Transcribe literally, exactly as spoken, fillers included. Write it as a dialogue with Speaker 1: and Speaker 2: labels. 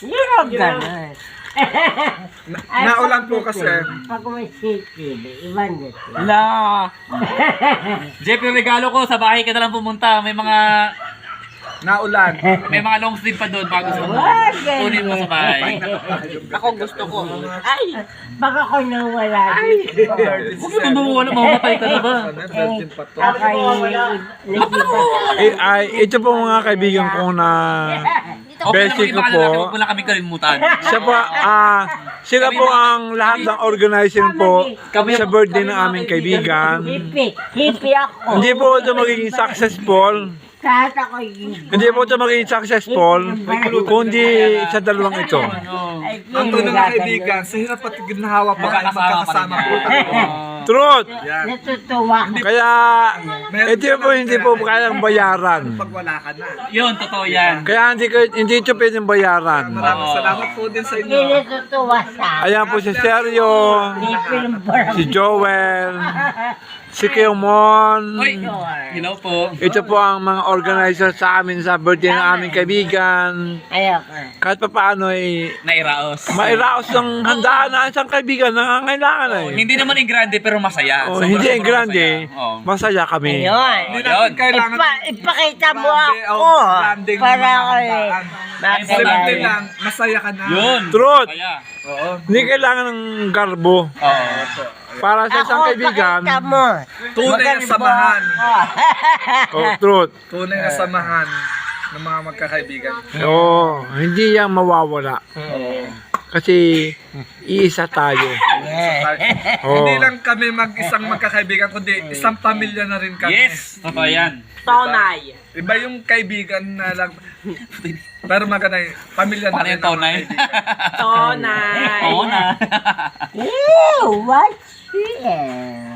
Speaker 1: Hindi ko ganun.
Speaker 2: Na, naulan po kasi.
Speaker 1: Pag may city, ibang dito.
Speaker 3: La. Jeff, yung regalo ko, sa bahay ka na lang pumunta. May mga
Speaker 2: Naulan.
Speaker 3: may mga long sleeve pa doon bago sa
Speaker 1: Wag,
Speaker 3: kunin mo sa bahay.
Speaker 4: Ako gusto ko.
Speaker 1: Ay, baka ko nawala dito.
Speaker 3: Huwag mo mawawala, mamamatay ka na ba?
Speaker 2: Virgin pa to.
Speaker 1: Ako
Speaker 5: Eh, ay, ito po mga kaibigan ko na
Speaker 3: Okay
Speaker 5: Basic
Speaker 3: lang,
Speaker 5: ko
Speaker 3: mga
Speaker 5: po.
Speaker 3: lalaki, huwag mo lang kami kalimutan.
Speaker 5: siya po, ah, sila po ang lahat ng organizing po sa birthday ng aming kaibigan.
Speaker 1: hippie, hippie ako.
Speaker 5: Hindi po ito magiging successful.
Speaker 1: Kahit ako hippie.
Speaker 5: Hindi po ito magiging successful, kundi sa dalawang ito.
Speaker 1: Ay,
Speaker 2: Ang tunay na kaibigan, sa hirap at ginhawa pa kayo magkakasama po.
Speaker 5: Truth!
Speaker 2: Yan.
Speaker 1: Natutuwa ko.
Speaker 5: Kaya, ito po hindi po kayang bayaran.
Speaker 2: Pag wala ka na.
Speaker 3: Yun, totoo yan.
Speaker 5: Kaya hindi, ko, hindi ito pwedeng bayaran.
Speaker 2: Maraming salamat po din sa
Speaker 1: Hindi
Speaker 2: inyo.
Speaker 1: natutuwa sa
Speaker 5: Ayan po si Sergio,
Speaker 1: hippie ng barang.
Speaker 5: si Joel, si Keomon.
Speaker 3: Hoy, hello po.
Speaker 5: Ito po ang mga organizer sa amin sa birthday ng aming kaibigan.
Speaker 1: Ayoko.
Speaker 5: Kahit pa paano ay
Speaker 3: Nairaos.
Speaker 5: mairaos ng handaan na isang kaibigan na nangangailangan
Speaker 3: Oh,
Speaker 5: eh.
Speaker 3: hindi naman yung grande pero masaya.
Speaker 5: Oh,
Speaker 3: Sobra,
Speaker 5: hindi ang
Speaker 3: sobrang
Speaker 5: grande,
Speaker 3: masaya. Oh.
Speaker 5: masaya kami.
Speaker 1: Ayun.
Speaker 2: Hindi
Speaker 3: Ayun.
Speaker 2: natin kailangan
Speaker 1: Ipa, ipakita mo
Speaker 2: Grande,
Speaker 1: ako.
Speaker 2: oh, granding
Speaker 1: Para
Speaker 2: mga
Speaker 1: ako eh.
Speaker 2: handaan.
Speaker 1: Makilala.
Speaker 2: Simple lang, masaya ka na.
Speaker 3: Yun.
Speaker 5: Truth.
Speaker 3: Kaya.
Speaker 2: Oo.
Speaker 5: Hindi kailangan ng garbo
Speaker 3: Oo.
Speaker 5: para sa isang
Speaker 1: Ako,
Speaker 5: kaibigan.
Speaker 1: pakita mo.
Speaker 2: Tunay na samahan.
Speaker 5: Oh, truth.
Speaker 2: Tunay na samahan ng mga magkakaibigan.
Speaker 5: Oo, hindi yan mawawala. Kasi iisa tayo. Oo.
Speaker 2: Hindi lang kami mag-isang magkakaibigan, kundi isang pamilya na rin kami.
Speaker 3: Yes, totoo yan.
Speaker 4: Tonay.
Speaker 2: Iba yung kaibigan na lang. Pero maganda yung pamilya na
Speaker 3: Paano
Speaker 2: rin.
Speaker 3: yung tonay?
Speaker 4: Tonay.
Speaker 3: Oo na.
Speaker 1: Ew, what's here?